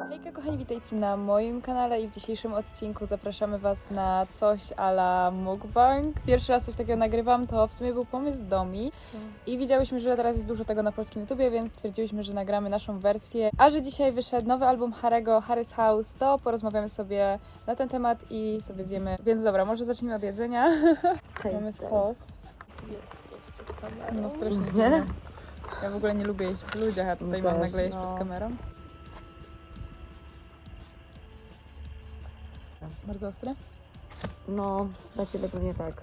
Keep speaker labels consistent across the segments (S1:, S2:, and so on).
S1: Hejka kochani, witajcie na moim kanale i w dzisiejszym odcinku zapraszamy Was na coś a la mukbang. Pierwszy raz coś takiego nagrywam, to w sumie był pomysł Domi i widziałyśmy, że teraz jest dużo tego na polskim YouTubie, więc stwierdziłyśmy, że nagramy naszą wersję. A że dzisiaj wyszedł nowy album Harry'ego, Harry's House, to porozmawiamy sobie na ten temat i sobie zjemy. Więc dobra, może zacznijmy od jedzenia. Mamy sos. No strasznie dziwne. Ja w ogóle nie lubię jeść w ludziach, a tutaj mam nagle jeść przed kamerą. Bardzo ostre?
S2: No, dla Ciebie pewnie tak.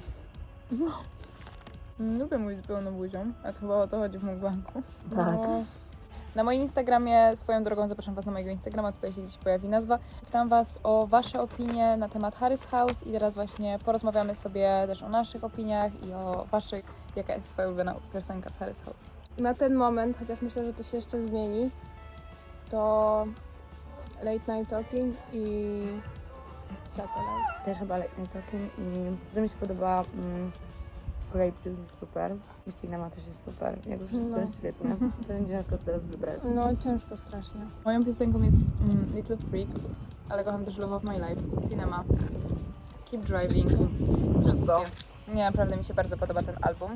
S1: Lubię mówić z pełną buzią, a to chyba o to chodzi w mukbangu.
S2: Tak.
S1: No. Na moim Instagramie, swoją drogą zapraszam Was na mojego Instagrama, tutaj się gdzieś pojawi nazwa. Pytam Was o Wasze opinie na temat Harry's House i teraz właśnie porozmawiamy sobie też o naszych opiniach i o Waszych. Jaka jest Twoja ulubiona piosenka z Harry's House?
S3: Na ten moment, chociaż myślę, że to się jeszcze zmieni, to Late Night Talking i Satellite.
S2: Też chyba Late Night Talking i to mi się podoba Grape Juice jest super i Cinema też jest super. Jakby wszystko jest świetne. To będzie ciężko teraz wybrać.
S3: No ciężko strasznie.
S1: Moją piosenką jest Little Freak, ale kocham też Love of My Life, Cinema, Keep Driving.
S2: Wszystko.
S1: Nie, naprawdę mi się bardzo podoba ten album.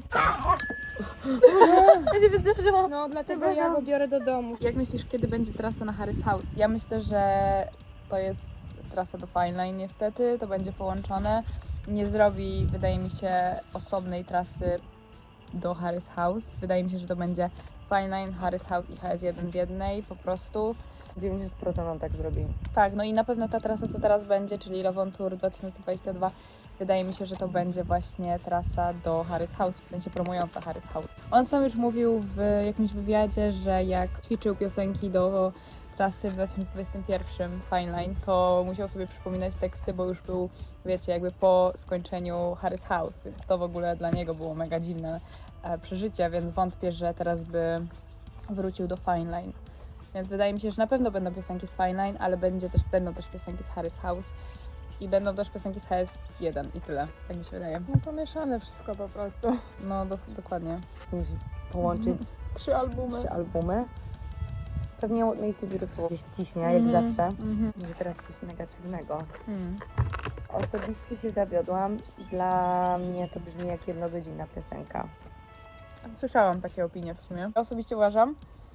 S2: Ja się wydarzyłam.
S3: No dlatego ja go biorę do domu.
S1: Jak myślisz, kiedy będzie trasa na Harry's House? Ja myślę, że to jest trasa do Fine Line niestety, to będzie połączone. Nie zrobi, wydaje mi się, osobnej trasy do Harry's House. Wydaje mi się, że to będzie Fine Line, Harry's House i HS1 w jednej po prostu.
S2: 90% on tak zrobi.
S1: Tak, no i na pewno ta trasa, co teraz będzie, czyli Love on Tour 2022, wydaje mi się, że to będzie właśnie trasa do Harry's House, w sensie promująca Harry's House. On sam już mówił w jakimś wywiadzie, że jak ćwiczył piosenki do trasy w 2021 Fine Line, to musiał sobie przypominać teksty, bo już był, wiecie, jakby po skończeniu Harry's House, więc to w ogóle dla niego było mega dziwne przeżycie, więc wątpię, że teraz by wrócił do Fine Line. Więc wydaje mi się, że na pewno będą piosenki z Fine Line, ale będą też piosenki z Harry's House i będą też piosenki z HS1 i tyle, tak mi się wydaje.
S3: No pomieszane wszystko po prostu.
S1: No dokładnie.
S2: Musi połączyć
S3: 3 albumy.
S2: 3 albumy. Pewnie What Makes You Beautiful gdzieś wciśnie, jak zawsze. Że teraz coś negatywnego. Osobiście się zawiodłam. Dla mnie to brzmi jak jednogodzinna piosenka.
S1: Słyszałam takie opinie w sumie. Ja osobiście uważam,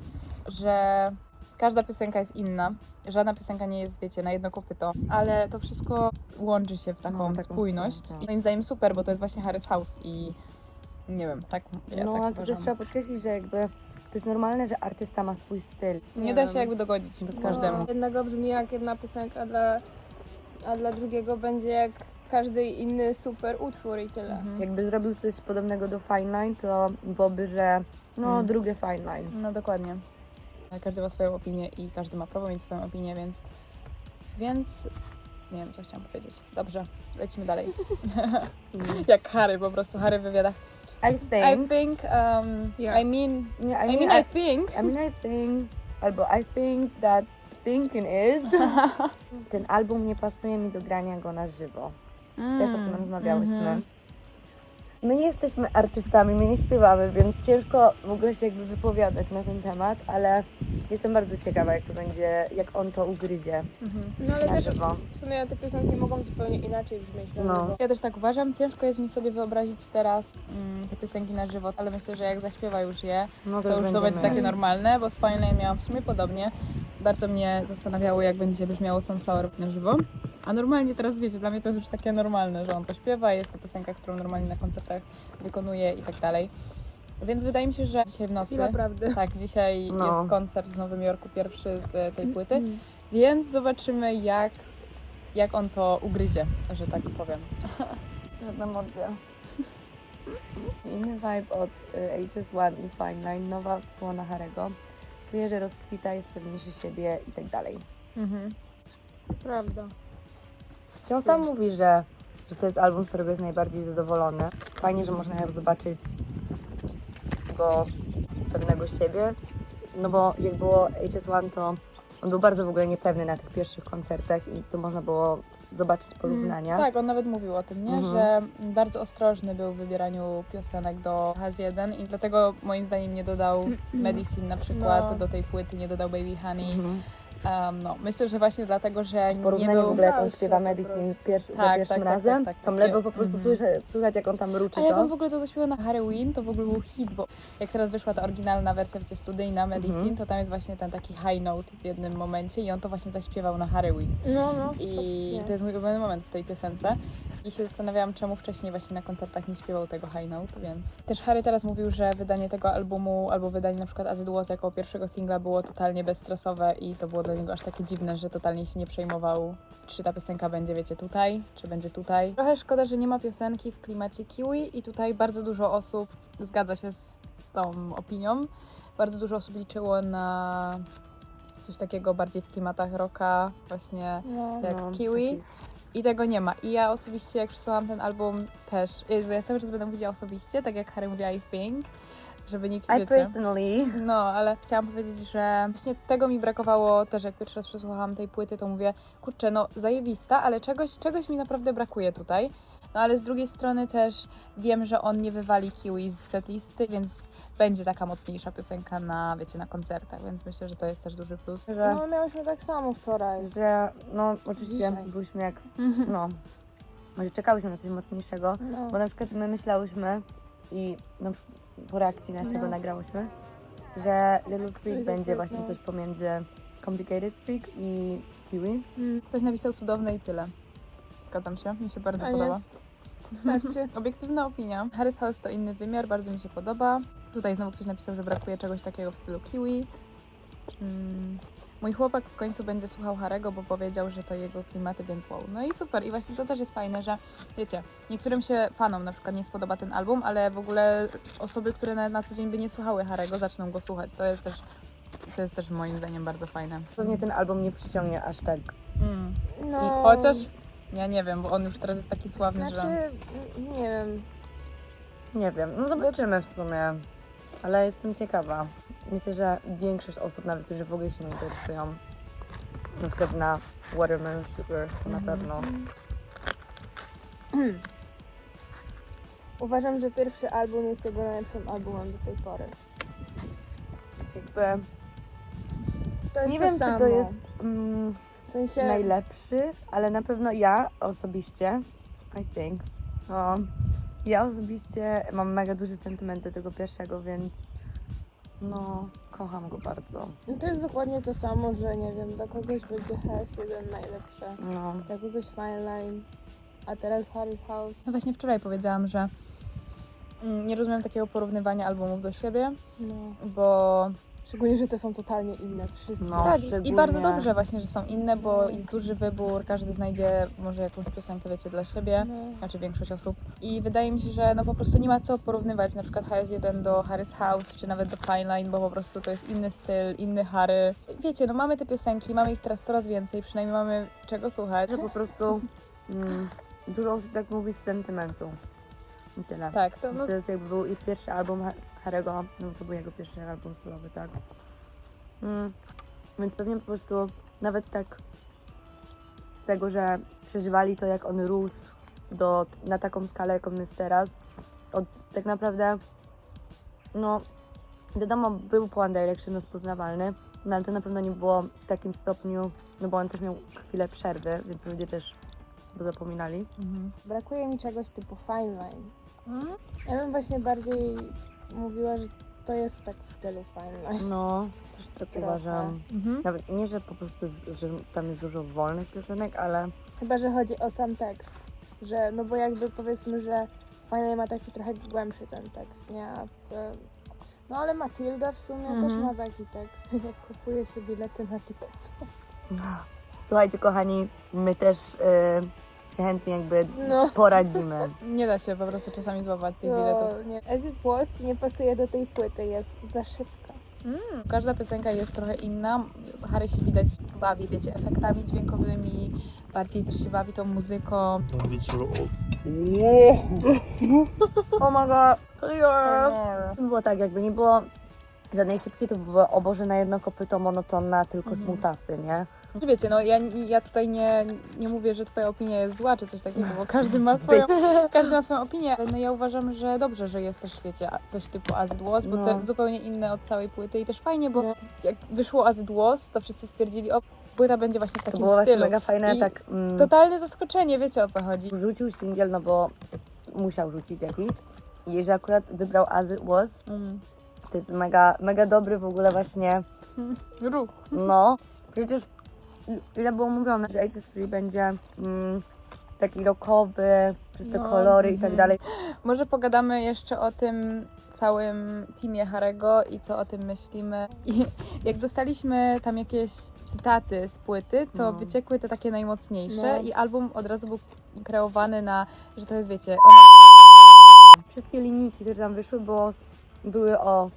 S1: że każda piosenka jest inna. Żadna piosenka nie jest, wiecie, na jedno kopyto, ale to wszystko łączy się w taką spójność.
S2: spójność,
S1: I moim zdaniem super, bo to jest właśnie Harry's House i nie wiem, tak ja
S2: No,
S1: tak
S2: ale to
S1: uważam.
S2: też trzeba podkreślić, że jakby to jest normalne, że artysta ma swój styl.
S1: Nie da się jakby dogodzić każdemu.
S3: No, jednego brzmi jak jedna piosenka, a dla drugiego będzie jak każdy inny super utwór i tyle.
S2: Jakby zrobił coś podobnego do Fine Line, to byłoby, że drugie Fine Line.
S1: No dokładnie. Każdy ma swoją opinię i każdy ma prawo mieć swoją opinię, więc nie wiem, co chciałam powiedzieć. Dobrze, lecimy dalej. Jak Harry, po prostu Harry w wywiadach.
S2: I think,
S3: Yeah.
S1: I mean,
S2: yeah,
S1: I think.
S2: I think, albo I think that thinking is. Ten album nie pasuje mi do grania go na żywo. Też o tym rozmawiałyśmy. My nie jesteśmy artystami, my nie śpiewamy, więc ciężko w ogóle się jakby wypowiadać na ten temat, ale jestem bardzo ciekawa, jak to będzie, jak on to ugryzie
S3: No ale
S2: na
S3: też
S2: żywo.
S3: w sumie te piosenki mogą zupełnie inaczej brzmieć na
S2: No.
S3: żywo.
S1: Ja też tak uważam. Ciężko jest mi sobie wyobrazić teraz te piosenki na żywo, ale myślę, że jak zaśpiewa już je,
S2: No
S1: to już to będzie takie normalne, bo z Fine Line miałam w sumie podobnie. Bardzo mnie zastanawiało, jak będzie brzmiało Sunflower na żywo. A normalnie teraz, wiecie, dla mnie to jest już takie normalne, że on to śpiewa, jest to piosenka, którą normalnie na koncertach wykonuje i tak dalej. Więc wydaje mi się, że dzisiaj w nocy...
S3: Chwila prawdy.
S1: Tak, dzisiaj jest koncert w Nowym Jorku, pierwszy z tej płyty, więc zobaczymy, jak on to ugryzie, że tak powiem.
S2: Żadna modlia. Inny vibe od HS1 i Fine Line, nowa odsłona Harry'ego. Czuję, że rozkwita, jest pewniejszy siebie i tak dalej.
S3: Prawda.
S2: On sam mówi, że to jest album, z którego jest najbardziej zadowolony. Fajnie, że można jak zobaczyć go pewnego siebie. No bo jak było HS1, to on był bardzo w ogóle niepewny na tych pierwszych koncertach i to można było zobaczyć porównania.
S1: Tak, on nawet mówił o tym, nie? Że bardzo ostrożny był w wybieraniu piosenek do HS1 i dlatego moim zdaniem nie dodał Medicine na przykład do tej płyty, nie dodał Baby Honey. No, myślę, że właśnie dlatego, że nie
S2: Porównanie
S1: był...
S2: w ogóle jak on
S3: Dalsze
S2: śpiewa
S3: po
S2: Medicine
S3: prostu.
S2: za
S1: Tak,
S2: pierwszym
S1: tak, tak,
S2: razem,
S1: tak, tak,
S2: tam
S1: tak.
S2: ledwo po prostu słychać jak on tam ruczy
S1: A jak
S2: to.
S1: on w ogóle to zaśpiewał na Halloween, to w ogóle był hit, bo jak teraz wyszła ta oryginalna wersja, wiecie, studyjna Medicine, to tam jest właśnie ten taki high note w jednym momencie i on to właśnie zaśpiewał na Halloween.
S3: No,
S1: I
S3: faktycznie.
S1: to jest mój ulubiony moment w tej piosence. I się zastanawiałam, czemu wcześniej właśnie na koncertach nie śpiewał tego high note, więc... Też Harry teraz mówił, że wydanie tego albumu, albo wydanie na przykład As It Was jako pierwszego singla było totalnie bezstresowe i to było dla niego aż takie dziwne, że totalnie się nie przejmował, czy ta piosenka będzie, wiecie, tutaj, czy będzie tutaj. Trochę szkoda, że nie ma piosenki w klimacie Kiwi i tutaj bardzo dużo osób zgadza się z tą opinią. Bardzo dużo osób liczyło na coś takiego bardziej w klimatach rocka, właśnie
S3: No.
S1: jak Kiwi.
S2: taki-
S1: I tego nie ma. I ja osobiście, jak przesłałam ten album też, Jezu, ja cały czas będę mówiła osobiście, tak jak Harry mówiła I think, żeby nikt,
S2: I
S1: wiecie...
S2: personally...
S1: No, ale chciałam powiedzieć, że właśnie tego mi brakowało też, jak pierwszy raz przesłuchałam tej płyty, to mówię, kurczę, no zajebista, ale czegoś mi naprawdę brakuje tutaj. No ale z drugiej strony też wiem, że on nie wywali Kiwi z setlisty, więc będzie taka mocniejsza piosenka na, wiecie, na koncertach, więc myślę, że to jest też duży plus.
S2: Że,
S3: No, miałyśmy tak samo wczoraj.
S2: że no oczywiście
S3: Dzisiaj.
S2: byliśmy jak, no, że czekałyśmy na coś mocniejszego,
S3: No.
S2: bo na przykład my myślałyśmy i no, po reakcji naszego
S3: No.
S2: nagrałyśmy, że Little Freak
S3: Little
S2: będzie
S3: Freak,
S2: właśnie
S3: no.
S2: coś pomiędzy Complicated Freak i Kiwi.
S1: Ktoś napisał cudowne i tyle. Zgadzam się, mi się bardzo
S3: A
S1: podoba.
S3: Starczy.
S1: Obiektywna opinia. Harry's House to inny wymiar, bardzo mi się podoba. Tutaj znowu ktoś napisał, że brakuje czegoś takiego w stylu Kiwi. Mój chłopak w końcu będzie słuchał Harego, bo powiedział, że to jego klimaty, więc wow. No i super. I właśnie to też jest fajne, że wiecie, niektórym się fanom na przykład nie spodoba ten album, ale w ogóle osoby, które na co dzień by nie słuchały Harego, zaczną go słuchać. To jest też moim zdaniem bardzo fajne.
S2: Pewnie ten album nie przyciągnie aż tak.
S3: No.
S1: Chociaż ja nie wiem, bo on już teraz jest taki sławny,
S3: Znaczy,
S1: że...
S3: nie wiem.
S2: Nie wiem, no zobaczymy w sumie, ale jestem ciekawa. Myślę, że większość osób, nawet którzy w ogóle się nie interesują, na przykład na Watermelon Sugar, to na pewno.
S3: Uważam, że pierwszy album jest jego najlepszym albumem do tej pory.
S2: Jakby,
S3: To jest
S2: nie
S3: to
S2: wiem,
S3: samo.
S2: czy to jest
S3: W sensie...
S2: najlepszy, ale na pewno ja osobiście, I think, no, ja osobiście mam mega duży sentyment do tego pierwszego, więc no, kocham go bardzo.
S3: No to jest dokładnie to samo, że nie wiem, dla kogoś będzie HS1 najlepsze,
S2: No,
S3: dla kogoś Fine Line, a teraz Harry's House.
S1: No właśnie wczoraj powiedziałam, że nie rozumiem takiego porównywania albumów do siebie,
S3: No.
S1: bo
S3: Szczególnie, że to są totalnie inne wszystkie.
S2: No.
S1: tak, i
S2: szczególnie-
S1: bardzo dobrze właśnie, że są inne, bo jest duży wybór, każdy znajdzie może jakąś piosenkę, wiecie, dla siebie,
S3: No.
S1: znaczy większość osób. I wydaje mi się, że no po prostu nie ma co porównywać na przykład HS1 do Harry's House, czy nawet do Fine Line, bo po prostu to jest inny styl, inny Harry. Wiecie, no mamy te piosenki, mamy ich teraz coraz więcej, przynajmniej mamy czego słuchać.
S2: że po prostu dużo osób tak mówi z sentymentu. I tyle.
S1: Tak, to no,
S2: To jest jakby był i pierwszy album Harry'ego, no to był jego pierwszy album solowy, tak. Więc pewnie po prostu nawet tak z tego, że przeżywali to, jak on rósł na taką skalę, jak on jest teraz, tak naprawdę, no wiadomo, był po One Direction rozpoznawalny, no ale to na pewno nie było w takim stopniu, no bo on też miał chwilę przerwy, więc ludzie też go zapominali.
S3: Brakuje mi czegoś typu Fine Line. Ja bym właśnie bardziej mówiła, że to jest tak w stylu Fine Line.
S2: No, też tak
S3: Trochę.
S2: uważam. Nawet nie, że po prostu, że tam jest dużo wolnych piosenek, ale
S3: Chyba, że chodzi o sam tekst. Że, no bo jakby powiedzmy, że Fine Line ma taki trochę głębszy ten tekst, nie? No ale Matilda w sumie też ma taki tekst. Jak kupuje się bilety na Tickets.
S2: słuchajcie kochani, my też się chętnie jakby
S3: No.
S2: poradzimy.
S1: nie da się po prostu czasami złapać tych biletów.
S3: To nie. As It Was nie pasuje do tej płyty, jest za szybka.
S1: Każda piosenka jest trochę inna. Harry się widać bawi, wiecie, efektami dźwiękowymi, bardziej też się bawi tą muzyką.
S2: Oh my god, clear! Było tak, jakby nie było żadnej szybkiej, to było o Boże na jedno kopyto monotonna, tylko smutasy, nie?
S1: Wiecie, no ja tutaj nie mówię, że twoja opinia jest zła, czy coś takiego, bo każdy ma swoją opinię, ale no ja uważam, że dobrze, że jest też, wiecie, coś typu As It Was, bo to zupełnie inne od całej płyty i też fajnie, bo jak wyszło As It Was, to wszyscy stwierdzili, o, płyta będzie właśnie w takim
S2: To było właśnie
S1: stylu.
S2: mega fajne,
S1: I
S2: tak.
S1: Totalne zaskoczenie, wiecie o co chodzi.
S2: Rzucił singiel, no bo musiał rzucić jakiś. I że akurat wybrał As It Was, to jest mega, mega dobry w ogóle właśnie,
S1: Ruch.
S2: no. Przecież ile było mówione, że Ages Free będzie taki rockowy, przez te kolory i tak dalej.
S1: Może pogadamy jeszcze o tym całym teamie Harego i co o tym myślimy. I jak dostaliśmy tam jakieś cytaty z płyty, to wyciekły te takie najmocniejsze i album od razu był kreowany na, że to jest, wiecie,
S2: Wszystkie linijki, które tam wyszły, były o...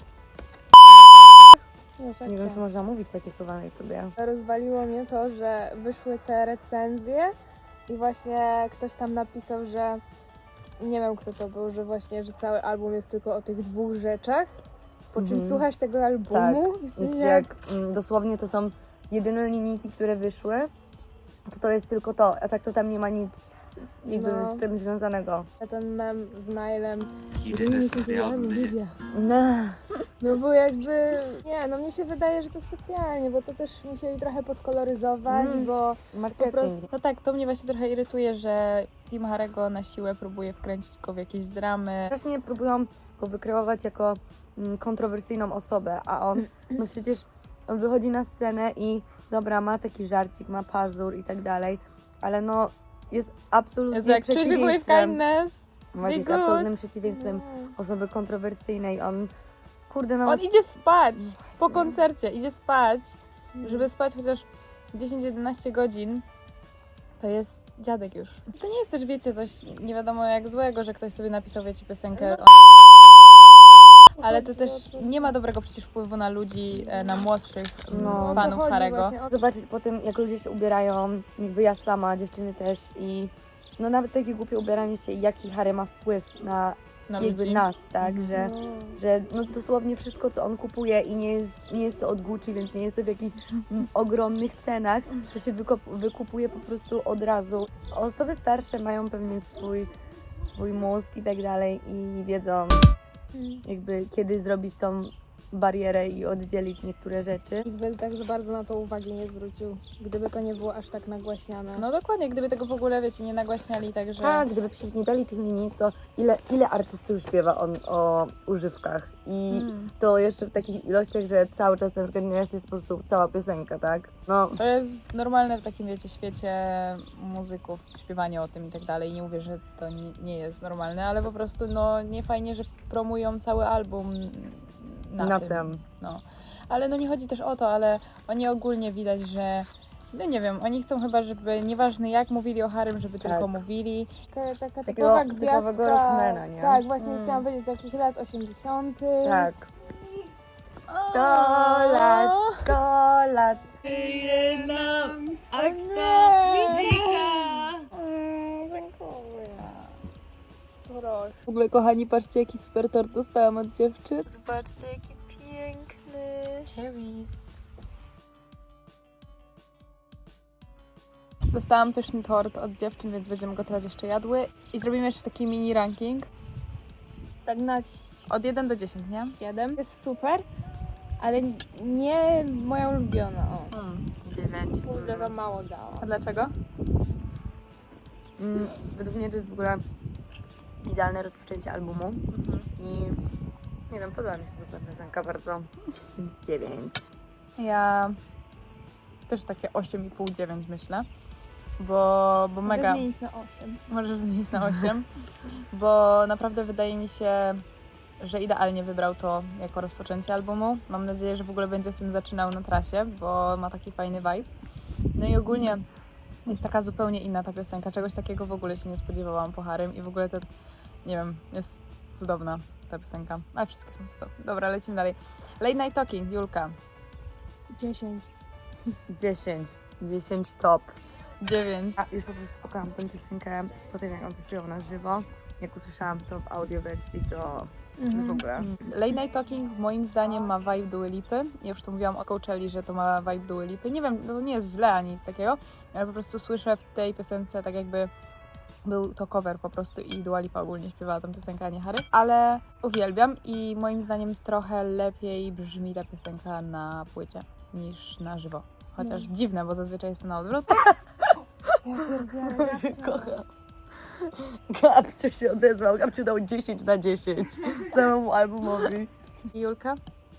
S2: Nie wiem, czy można mówić takie słowa na YouTubie.
S3: Rozwaliło mnie to, że wyszły te recenzje i właśnie ktoś tam napisał, że nie wiem kto to był, że właśnie, że cały album jest tylko o tych dwóch rzeczach, po czym słuchasz tego albumu i
S2: Jest, że jak dosłownie to są jedyne linijki, które wyszły, to jest tylko to, a tak to tam nie ma nic jakby z tym związanego.
S3: ten mem z Nilem
S2: No.
S3: no bo jakby, nie, no mnie się wydaje, że to specjalnie, bo to też musieli trochę podkoloryzować, bo
S2: Marketing.
S3: po prostu
S1: No tak, to mnie właśnie trochę irytuje, że team Harego na siłę próbuje wkręcić go w jakieś dramy.
S2: Właśnie próbują go wykreować jako kontrowersyjną osobę, a on, no przecież on wychodzi na scenę i dobra, ma taki żarcik, ma pazur i tak dalej, ale no jest absolutnie
S1: Jezu, jak Treat People with
S2: przeciwieństwem.
S1: Kindness.
S2: Właśnie jest
S1: Be good.
S2: absolutnym przeciwieństwem osoby kontrowersyjnej. On, kurde, no...
S1: On idzie spać po koncercie, idzie spać, żeby spać chociaż 10-11 godzin. To jest dziadek już. To nie jest też, wiecie, coś nie wiadomo jak złego, że ktoś sobie napisał, wiecie, piosenkę ale to też nie ma dobrego przecież wpływu na ludzi, na młodszych
S2: No.
S1: fanów Harego.
S2: Zobaczyć po tym, jak ludzie się ubierają, jakby ja sama, dziewczyny też i no nawet takie głupie ubieranie się i jaki Harry ma wpływ na jakby
S1: ludzi.
S2: nas, tak, że no dosłownie wszystko, co on kupuje i nie jest to od Gucci, więc nie jest to w jakichś ogromnych cenach, to się wykupuje po prostu od razu. Osoby starsze mają pewnie swój mózg i tak dalej i wiedzą jakby kiedy zrobić tą barierę i oddzielić niektóre rzeczy.
S3: nikt by tak za bardzo na to uwagi nie zwrócił, gdyby to nie było aż tak nagłaśniane.
S1: No dokładnie, gdyby tego w ogóle, wiecie, nie nagłaśniali, także...
S2: Tak, gdyby przecież nie dali tych linijek, to ile artystów już śpiewa o używkach i to jeszcze w takich ilościach, że cały czas na przykład nieraz jest po prostu cała piosenka, tak? No,
S1: To jest normalne w takim, wiecie, świecie muzyków, śpiewanie o tym i tak dalej. Nie mówię, że to nie jest normalne, ale po prostu, no, nie fajnie, że promują cały album na tym. No. Ale no nie chodzi też o to, ale oni ogólnie widać, że no nie wiem, oni chcą chyba, żeby nieważne jak mówili o Harrym, żeby tylko mówili.
S3: Taka
S2: Takiego
S3: typowa
S2: typowego
S3: gwiazdka.
S2: rockmana, nie?
S3: Tak, właśnie chciałam powiedzieć takich lat 80.
S2: tak. 100 lat, 100 lat.
S3: Proszę.
S1: W ogóle, kochani, patrzcie, jaki super tort dostałam od dziewczyn.
S4: Zobaczcie, jaki piękny. Cherries.
S1: Dostałam pyszny tort od dziewczyn, więc będziemy go teraz jeszcze jadły. I zrobimy jeszcze taki mini ranking.
S3: Tak na
S1: Od 1 do 10, nie?
S3: 7. Jest super, ale nie moja ulubiona. O.
S2: 9.
S3: Kurde, za mało dała.
S1: A dlaczego?
S2: Według mnie to jest w ogóle idealne rozpoczęcie albumu i nie wiem, podoba mi się po prostu ta piosenka bardzo. 9.
S1: Ja też takie 8,5-9 myślę, bo mega...
S3: Mogę zmienić na 8.
S1: Możesz zmienić na 8, bo naprawdę wydaje mi się, że idealnie wybrał to jako rozpoczęcie albumu. Mam nadzieję, że w ogóle będzie z tym zaczynał na trasie, bo ma taki fajny vibe. No i ogólnie jest taka zupełnie inna ta piosenka, czegoś takiego w ogóle się nie spodziewałam po Harrym i w ogóle to, nie wiem, jest cudowna ta piosenka, ale wszystkie są cudowne. Dobra, lecimy dalej. Late Night Talking, Julka.
S3: 10.
S2: 10 top.
S1: 9.
S2: A już po prostu pokocham tę piosenkę po tym, jak on to śpiewał na żywo. Jak usłyszałam to w audio wersji, to w ogóle.
S1: Late Night Talking moim zdaniem ma vibe Dua Lipy. Ja już to mówiłam o Coachelli, że to ma vibe Dua Lipy. Nie wiem, to nie jest źle ani nic takiego, ale po prostu słyszę w tej piosence tak jakby był to cover po prostu i Dua Lipa ogólnie śpiewała tą piosenkę, a nie Harry. Ale uwielbiam i moim zdaniem trochę lepiej brzmi ta piosenka na płycie niż na żywo. Chociaż dziwne, bo zazwyczaj jest to na odwrót.
S3: Ja pierdzielę.
S2: Boże, kocham. Gabcio się odezwał, Gabcio dał 10 na 10 całemu albumowi.
S1: I Julka?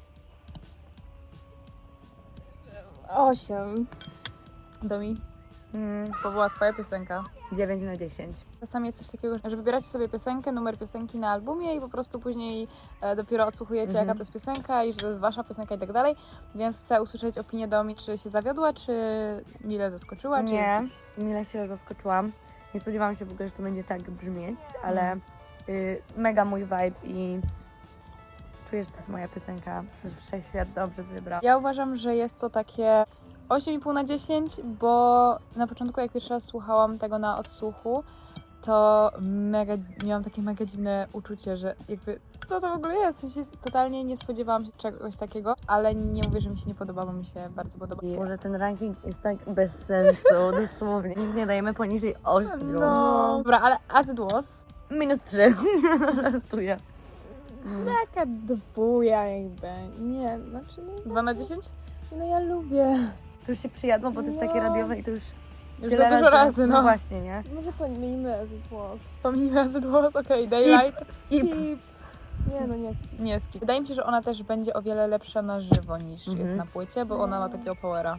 S3: 8.
S1: Domi? To była twoja piosenka.
S2: 9 na 10.
S1: Czasami jest coś takiego, że wybieracie sobie piosenkę, numer piosenki na albumie i po prostu później dopiero odsłuchujecie, jaka to jest piosenka i że to jest wasza piosenka i tak dalej. Więc chcę usłyszeć opinię Domi, czy się zawiodła, czy mile zaskoczyła, czy
S2: Nie, mile się zaskoczyłam. Nie spodziewałam się w ogóle, że to będzie tak brzmieć, ale mega mój vibe i czuję, że to jest moja piosenka, że wszechświat dobrze wybrał.
S1: Ja uważam, że jest to takie 8,5 na 10, bo na początku jak pierwszy raz słuchałam tego na odsłuchu, to miałam takie mega dziwne uczucie, że jakby co to w ogóle jest? W sensie totalnie nie spodziewałam się czegoś takiego, ale nie mówię, że mi się nie podoba, bo mi się bardzo podoba.
S2: Może ten ranking jest tak bez sensu, dosłownie. Nikt nie dajemy poniżej 8.
S1: No, dobra, ale as it was.
S2: Minus 3. Żartuję.
S3: Taka dwuja jakby. Nie, znaczy no,
S1: 2 na 10?
S3: no ja lubię.
S2: To już się przyjadło, bo to jest takie
S3: No.
S2: radiowe i to już
S1: Już
S2: tyle
S1: za dużo razy,
S2: No
S1: no.
S2: właśnie, nie?
S3: Może pomijmy as it was.
S1: Pomijmy as it was, okej, Daylight.
S2: Skip.
S3: Skip. Nie no, nie skip.
S1: Nie skip. Wydaje mi się, że ona też będzie o wiele lepsza na żywo niż jest na płycie, bo ona ma takiego powera.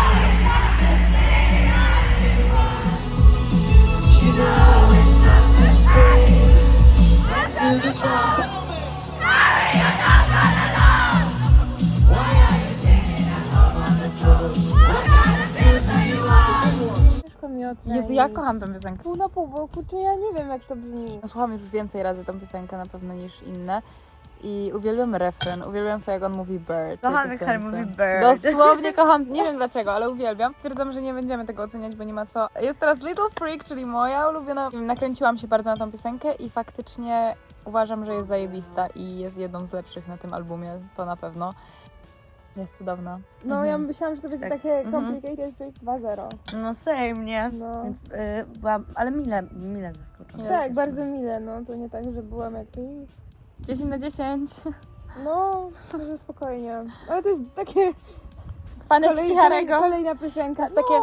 S3: Ciężko mi ocenić.
S1: Jezu, ja kocham tę piosenkę.
S3: Pół na pół, bo kurczę, ja nie wiem jak to brzmi.
S1: Słucham już więcej razy tą piosenkę na pewno niż inne. I uwielbiam refren, uwielbiam to, jak on mówi bird. w tej
S2: Kocham, jak Harry
S1: piosence.
S2: mówi bird.
S1: Dosłownie kocham, nie wiem dlaczego, ale uwielbiam. Stwierdzam, że nie będziemy tego oceniać, bo nie ma co. Jest teraz Little Freak, czyli moja ulubiona. Nakręciłam się bardzo na tą piosenkę i faktycznie uważam, że jest zajebista i jest jedną z lepszych na tym albumie, to na pewno. Jest cudowna.
S3: No ja myślałam, że to będzie
S2: Tak.
S3: takie Complicated Freak 2.0.
S2: No same, nie?
S3: No.
S2: Więc byłam, ale mile zaskoczona.
S3: Tak, bardzo mile, no to nie tak, że byłam jak...
S1: 10 na 10.
S3: No, może spokojnie. Ale to jest takie...
S1: Faneczki Harry'ego.
S3: Kolejna piosenka.
S1: To jest takie-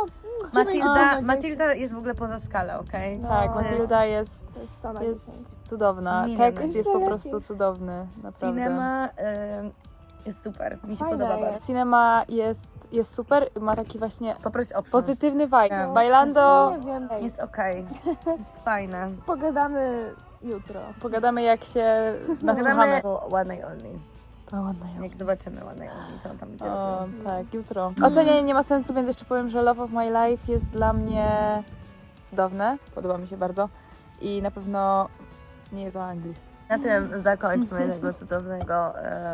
S2: Matilda jest w ogóle poza skalę, okej?
S3: No.
S1: Tak,
S3: to jest-
S1: Matylda jest
S3: To jest 100 na
S1: jest
S3: 10.
S1: cudowna.
S2: Cinema.
S1: Tekst jest po
S3: Jeszcze
S1: prostu
S3: lepiej.
S1: cudowny, naprawdę.
S2: Cinema jest super, mi się
S3: Fajna
S2: podoba
S3: jest.
S2: bardzo.
S1: Cinema jest super, ma taki właśnie
S2: Poproś o
S1: pozytywny vibe.
S2: No.
S1: Bailando,
S3: Nie wiem.
S2: Jest okej, jest fajne.
S3: Pogadamy jutro.
S1: pogadamy jak się nasłuchamy.
S2: Nagramy One Night Only.
S1: O, ładna ją.
S2: Jak zobaczymy One Night Only, co on tam będzie
S1: O,
S2: robił.
S1: tak, jutro. Ocenianie nie ma sensu, więc jeszcze powiem, że Love of My Life jest dla mnie cudowne. Podoba mi się bardzo. I na pewno nie jest o Anglii.
S2: Na tym zakończmy tego cudownego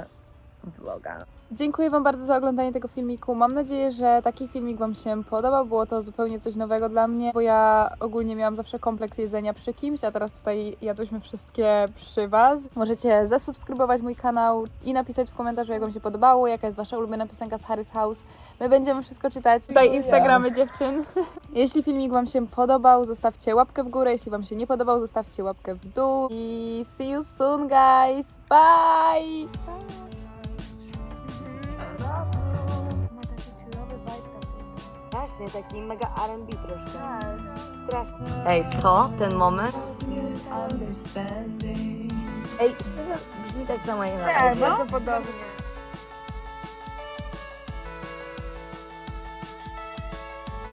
S2: vloga.
S1: Dziękuję Wam bardzo za oglądanie tego filmiku. Mam nadzieję, że taki filmik Wam się podobał. Było to zupełnie coś nowego dla mnie, bo ja ogólnie miałam zawsze kompleks jedzenia przy kimś, a teraz tutaj jadłyśmy wszystkie przy Was. Możecie zasubskrybować mój kanał i napisać w komentarzu, jak Wam się podobało, jaka jest Wasza ulubiona piosenka z Harry's House. My będziemy wszystko czytać. Tutaj Instagramy dziewczyn. Jeśli filmik Wam się podobał, zostawcie łapkę w górę. Jeśli Wam się nie podobał, zostawcie łapkę w dół. I see you soon, guys. Bye!
S2: Właśnie, taki mega R&B troszkę. Strasznie. Ej, to, ten moment. Ej, szczerze, brzmi tak samo jak na
S3: Tak,
S2: audio.
S3: bardzo podobnie.